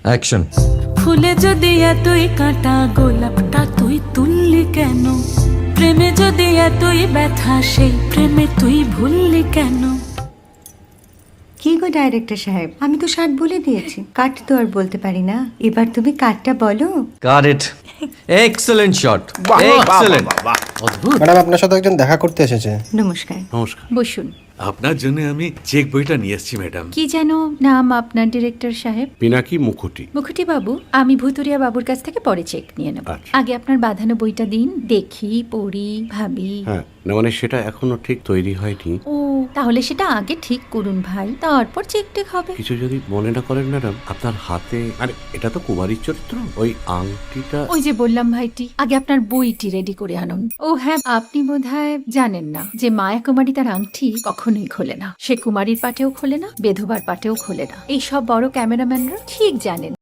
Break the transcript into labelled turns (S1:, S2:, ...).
S1: Action.
S2: ফুলে যদি এতই কাঁটা গোলাপটা তুই তুললি কেন? প্রেমে যদি এতই ব্যথা সেই প্রেমে তুই ভুললি কেন?
S3: কি গো ডাইরেক্টর সাহেব, আমি তো 60 বলে দিয়েছি, কাট তো আর বলতে পারি না। এবার তুমি কাটটা বলো।
S1: Got it. এক্সেলেন্ট শট,
S4: বাহ, বাহ,
S1: এক্সেলেন্ট।
S4: বাহ, বাহ,
S1: অদ্ভুত।
S5: ম্যাডাম আপনার সাথে একজন দেখা করতে এসেছে।
S3: নমস্কার।
S4: নমস্কার।
S6: বসুন।
S4: আপনার জন্য আমি চেক বইটা নিয়ে এসেছি ম্যাডাম।
S6: কি যেন নাম আপনার ডিরেক্টর সাহেব?
S4: পিনাকি মুখোটি।
S6: মুখুটি বাবু, আমি ভুতুরিয়া বাবুর কাছ থেকে পরে চেক নিয়ে নেব।
S4: আচ্ছা।
S6: আগে আপনার বাঁধানো বইটা দিন, দেখি, পড়ি, ভাবি।
S4: হ্যাঁ, না মানে সেটা এখনো ঠিক তৈরি হয়নি।
S6: ও, তাহলে সেটা আগে ঠিক করুন ভাই, তারপর চেক টেক হবে।
S4: কিছু যদি মনে না করেন ম্যাডাম, আপনার হাতে, আরে এটা তো কুমারীর চরিত্র, ওই আংটিটা।
S6: ওই যে বললাম ভাইটি, আগে আপনার বইটি রেডি করে আনুন। ও হ্যাঁ, আপনি বোধহয় জানেন না যে মায়া কুমারী তার আংটি কখনোই খোলে না। সে কুমারীর পাটেও খোলে না, বেধবার পাটেও খোলে না। এই সব বড় ক্যামেরাম্যানরা ঠিক জানেন।